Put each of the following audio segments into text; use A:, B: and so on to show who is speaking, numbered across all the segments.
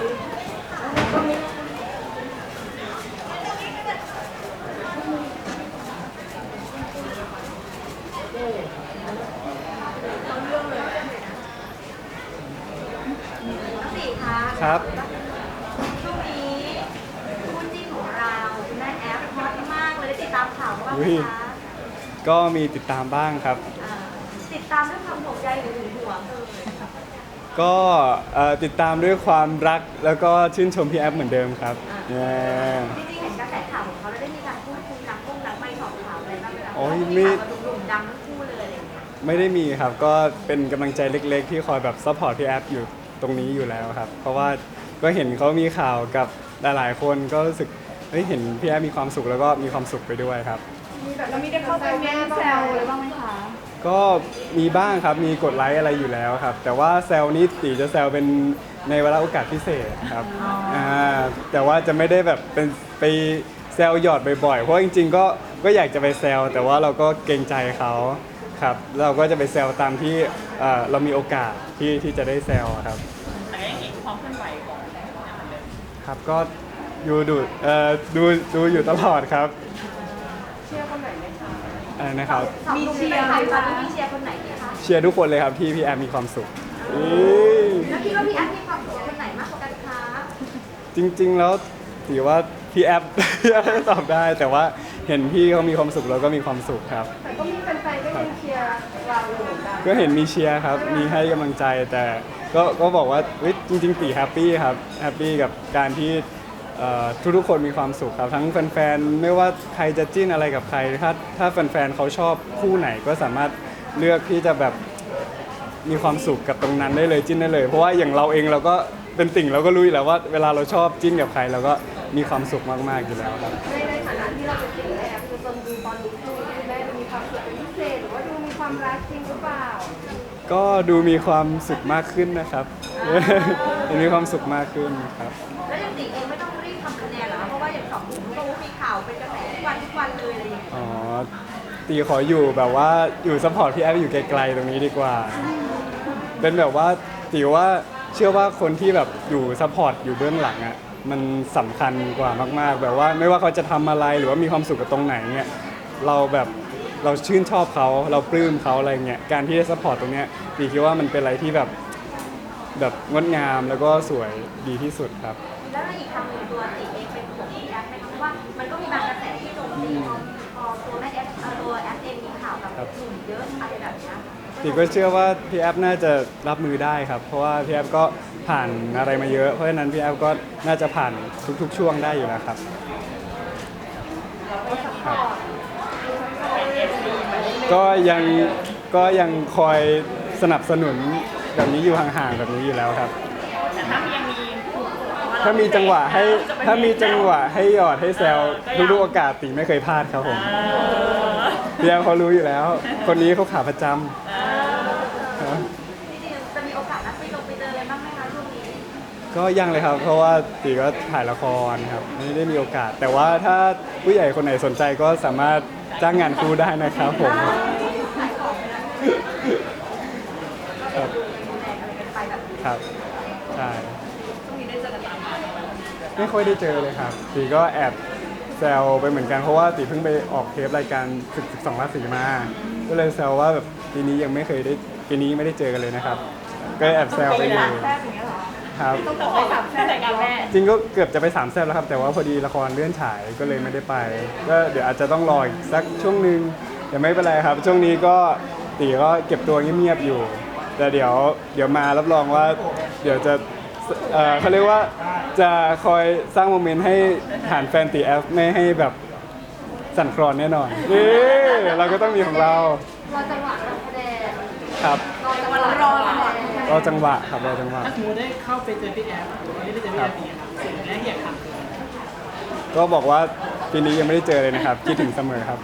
A: สี่คะ
B: ครับ
A: ช่วงนี้คู่จิ้นของเราคุณแม่แอฟฮอตมากเลยได้ติดตามข่าวบ้างไหมคะ
B: ก็มีติดตามบ้างครับ
A: ติดตามด้วยความห่วงใยหรือหึงหวงเลย
B: ก็ติดตามด้วยความรักแล้วก็ชื่นชมพี่แอฟเหมือนเดิมครับเนี่ย
A: จริงๆเห็นกระแสข่าวของเขาแล้วได้มีการพูดคุยนักไม่สอบถามอะไรบ้างไหมคะ
B: โอ้ย
A: มี
B: ไม่
A: ข่าวกับหนุ่มๆดังทั้งคู่เลยอะไรอย่างเงี้ย
B: ไม่ได้มีครับ ก็เป็นกำลังใจเล็กๆ ที่คอยแบบซัพพอร์ตพี่แอฟอยู่ตรงนี้อยู่แล้วครับ เพราะว่าก็เห็นเขามีข่าวกับหลายๆคนก็รู้สึกเฮ้ยเห็นพี่แอฟมีความสุขแล้วก็มีความสุขไปด้วยครับ
C: แล้วมีได้เข้าไปแม่แซวอะไรบ้างไหมคะ
B: ก็มีบ้างครับ มีกดไลค์อะไรอยู่แล้วครับ แต่ว่าแซลนี้ตีจะแซลเป็นในเวลาโอกาสพิเศษครับแต่ว่าจะไม่ได้แบบเป็นไปแซลหยอดบ่อยๆ เพราะจริงๆก็อยากจะไปแซลแต่ว่าเราก็เกรงใจเขาครับ เราก็จะไปแซลตามที่เรามีโอกาสที่จะได้แซลครับ
C: แต่ยังเห็นความเคลื่อนไหวของแซวเหมือนเดิม
B: ครับ ก็ดูอยู่ตลอดครับ
C: เชื่อคนไหนไหมคะ
B: อะไรนะครับ
A: มีเชียร์ใครคะมีเชียร์คนไหนดีคะ
B: เชียร์ทุกคนเลยครับที่พี่แอฟมีความสุข
A: แล้วคิดว่าพี่แอฟมีความสุขกับคนไหนมากกว่ากันคะ
B: จริงๆ แล้วถือว่าพี่แอฟ พี่แอฟตอบได้ แต่ว่าเห็นพี่เขามีความสุขเราก็มีความสุขครับ
C: แต่ก็มีแฟนๆก็ยังเชียร์เราอยู่เหมือนกัน
B: ก็เห็นมีเชียร์ครับ มีให้กำลังใจ แต่ก็บอกว่าเฮ้ยจริงๆตีแฮปปี้ครับ แฮปปี้กับการที่ทุกๆคนมีความสุขครับ ทั้งแฟนๆ ไม่ว่าใครจะจิ้นอะไรกับใคร ถ้าแฟนๆเขาชอบคู่ไหนก็สามารถเลือกที่จะแบบมีความสุขกับตรงนั้นได้เลยจิ้นได้เลย เพราะว่าอย่างเราเองเราก็เป็นติ่งเราก็รู้อยู่แล้วว่าเวลาเราชอบจิ้นกับใครเราก็มีความสุขมากๆอยู่แล้วครับ
C: ในฐานะที่เราเป็นติ่งแม่คือจนดูตอนนี้คือแม่มีความสุขเป็นพิเศษหรือว่าดูมีความรักจริงหรือเปล่า
B: ก็ดูมีความสุขมากขึ้นนะครับ มีความสุขมากขึ้นครับ
A: แล้วอย่างติเองไม่ต้องรีบทำคะแนนเหรอคะเพราะว่าอย่างสองหนุ่มก็มีข่าวเป็นกระแสทุกวันเลยอะไรอย่างเงี้ย
B: อ๋อ ตีขออยู่แบบว่าอยู่ซัพพอร์ตพี่แอฟอยู่ไกลๆตรงนี้ดีกว่า เป็นแบบว่าตีว่าเชื่อว่าคนที่แบบอยู่ซัพพอร์ตอยู่เบื้องหลังอ่ะมันสำคัญกว่ามากๆ แบบว่าไม่ว่าเขาจะทำอะไรหรือว่ามีความสุขกับตรงไหนเนี่ยเราแบบเราชื่นชอบเขาเราปลื้มเขาอะไรเงี้ยการที่ได้ซัพพอร์ตตรงเนี้ยตีคิดว่ามันเป็นอะไรที่แบบงดงามแล้วก็สวยดีที่สุดครับ
A: แล้วอีกคำหนึ่งตัวติเองเป็นห่วงพี่แอฟไหมคะเพราะว่ามันก็มีบางกระแสที่โจมตีพอตัวแม่แอฟตัวแอฟเองมีข่าวกับหนุ่มเยอะอะไรแบบเนี้ย
B: ติก็เชื่อว่าพี่แอฟน่าจะรับมือได้ครับ เพราะว่าพี่แอฟก็ผ่านอะไรมาเยอะ เพราะฉะนั้นพี่แอฟก็น่าจะผ่านทุกๆช่วงได้อยู่แล้วครับครับ ก็ยังคอยสนับสนุนแบบนี้อยู่ห่างๆแบบนี้อยู่แล้วครับ
C: แต่ถ้ายังมี
B: ถ้ามีจังหวะให้หยอดให้แซวทุกๆโอกาสติไม่เคยพลาดครับผมพี่แอฟเขารู้อยู่แล้ว คนนี้เขาขาประจำครับ
A: จริงๆจะมีโอกาสนัดไปเจออะไรบ้างไหมคะช่วงนี้
B: ก็ยังเลยครับ เพราะว่าตีก็ถ่ายละครครับไม่ได้มีโอกาส แต่ว่าถ้าผู้ใหญ่คนไหนสนใจก็สามารถจ้างงานครูได้นะครับผมครับครับใช่ไม่ค่อยได้เจอเลยครับตีก็แอบแซวไปเหมือนกันเพราะว่าตีเพิ่งไปออกเทปรายการศึก12ราศีมาก็เลยแซวว่าแบบปีนี้ยังไม่เคยได้ปีนี้ไม่ได้เจอกันเลยนะครับ ก็แอบแซวไปอยู่
C: แซ่บอย่างเงี้ยเหรอ
B: ครับ
C: ต้องบอกไป3แซ่บแต่งงานแม่
B: จริงก็เกือบจะไป3แซ่บแล้วครับแต่ว่าพอดีละครเลื่อนฉายก็เลยไม่ได้ไปก็เดี๋ยวอาจจะต้องรออีกสักช่วงนึงแต่ไม่เป็นไรครับ ช่วงนี้ก็ตีก็เก็บตัวเงียบๆอยู่ แต่เดี๋ยวมารับรองว่าเดี๋ยวจะเขาเรียกว่าจะคอยสร้างโมเมนต์ให้ฐานแฟนตีแอฟไม่ให้แบบสั่นคลอนแน่นอนนี่เราก็ต้องมีของเรา
C: รอจังหวะการแสดง
B: ครับ
C: รอจังหวะรอจังหวะ
B: รอจังหวะครับรอจังหวะ
D: ถ้าสมมติได้เข้าไปเจอพี่แอฟหรือว่าได้ไปเจอพี่แอฟเนี่ยครับสิ่งแรกที่อยากทำคืออะไร
B: ก็บอกว่าปีนี้ยังไม่ได้เจอเลยนะครับคิดถึงเสมอครับ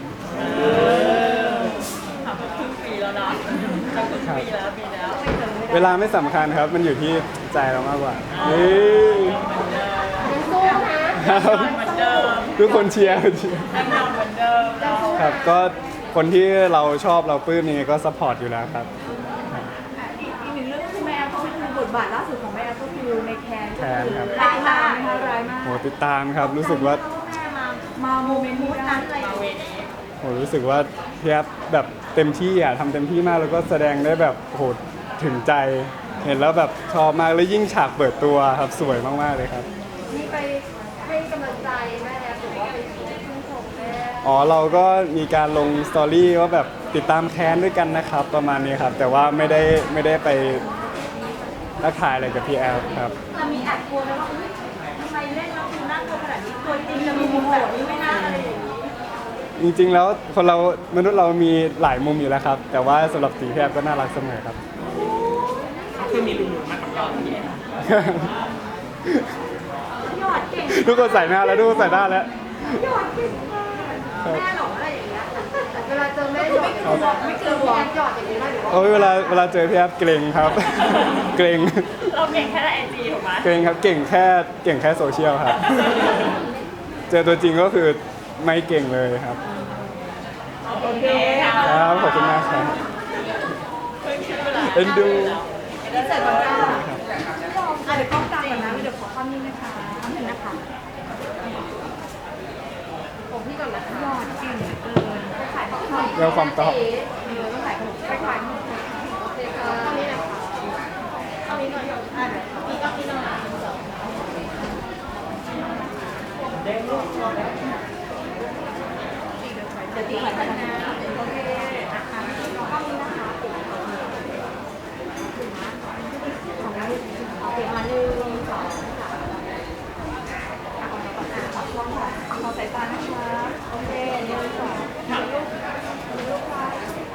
C: ถามว่าครึ่งปีแล้วนะครึ่งปีแล้วปีแล้ว
B: เวลาไม่สำคัญครับ มันอยู่ที่ใจเรามากกว่านี่
C: ยังสู้นะครับ
D: เหมือนเดิม
B: ทุกคนเชียร์
D: ทำงานเหมือนเดิมเรา
B: ครับก็คนที่เราชอบเราปลื้มยังไงก็ซัพพอร์ตอยู่แล้วครับ
C: อีกหนึ่งเรื่องก็คือแม่เขาไปดูบททบาทล่าสุดของแม่แอฟก็คือในแคน
B: แคนครับ
C: ร้ายมากนะคะร้ายมาก
B: โหติดตามครับรู้สึกว่า
C: มาโมเมนต์นี้ได้
B: โหรู้สึกว่าพี่แอฟแบบเต็มที่อ่ะทำเต็มที่มากแล้วก็แสดงได้แบบโหถึงใจ เห็นแล้วแบบชอบมากแล้วยิ่งฉากเปิดตัวครับสวยมากๆเลยครับ
C: มีไปให้กำลังใจแม่แอฟหรือว่าไปชื่นชมแม่
B: อ๋อเราก็มีการลงสตอรี่ว่าแบบติดตามแค้นด้วยกันนะครับ ประมาณนี้ครับ แต่ว่าไม่ได้ไปทักทายอะไรกับพี่แอฟครับ
A: จะมีแอบกลัวไหมว่าอุ๊ยทำไมเล่นแล้วดูน่ากลัวขนาดนี้ตัวจริงจะมีมุมแบบนี้ไหม่น่าอะไรอย่างนี้
B: จริงๆแล้วคนเรามนุษย์เรามีหลายมุมอยู่แล้วครับ แต่ว่าสำหรับตีพี่แอฟก็น่ารักเสมอครับ
D: เขาเคยมีลุงๆมากับเราพี่แอฟ
A: ยอดเก่ง
B: ทุกคนใส่หน้าแล้วทุกคนใส่หน้าแล้ว
A: ยอดเก่งมากแม่หลงอะไรอย่างเงี้ย
C: เวลาเจอแม่หยอดไม่เจอแม่หยอดอย่างนี้ไหมหรือว่า
B: โอ้ยเวลาเจอพี่แอฟเกรงครับ เกรง
A: เราเก่งแค่ในไอจีถูกไหม
B: เกรงครับเก่งแค่โซเชียลครับ เจอตัวจริงก็คือไม่เก่งเลยครับ
A: โอเคค่ะ
B: ครับขอบคุณมากครับเอ็นดู
A: ที่เสร็จก่อนจ้าเดี๋ยวกล้องกลางก่อนนะเดี๋ยวขอความนิ่งนะคะทำหนึ่งนะคะ
C: ของพี่ก่อนนะคะ
A: ยอดเก่งเกินไปขายของหน่อย
B: เรื่องความตอบ
C: ต้องขายขนมไปขายขนมโอเคค่ะนี่นะคะ
A: ต้องนี้หน่อยอ่ะมีต้องนี้หน่อยเดี๋ยวตีขายกันนะโอเคนะคะต้องนี้นะคะโอเคมา1 2 ขอสายตานะคะโอเค1 2ลูกค่ะ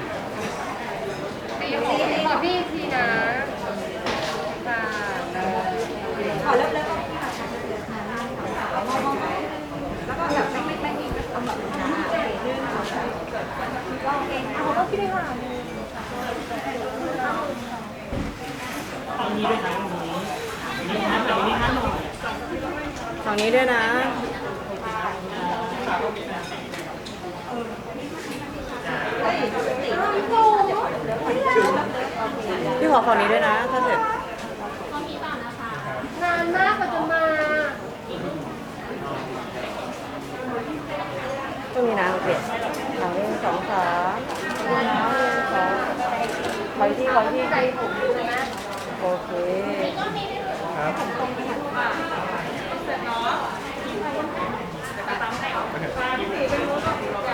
C: ขอพี่ทีนะค่ะ
A: ขอเลิกแล้วก็ที่มาใช้เดือนหน้าแล้วก็แบบไม่มีกำหนดนะโอเค1 2 3ก็โอเคเอาก็พี่ได้ค่ะ
D: ตอนนี้ด้วยนะวันนี้นะแต่วันนี้นะหน่อย
C: ฝั่งนี้ด้วยนะ พี่ขอฝั่งนี้ด้วยนะถ้าเสร็จนานมากกว่าจะมาตรงนี้นะโอเคฝั่งนี้2 3 1 2ขอที่ใจผมเลยนะโอเค
B: ครับ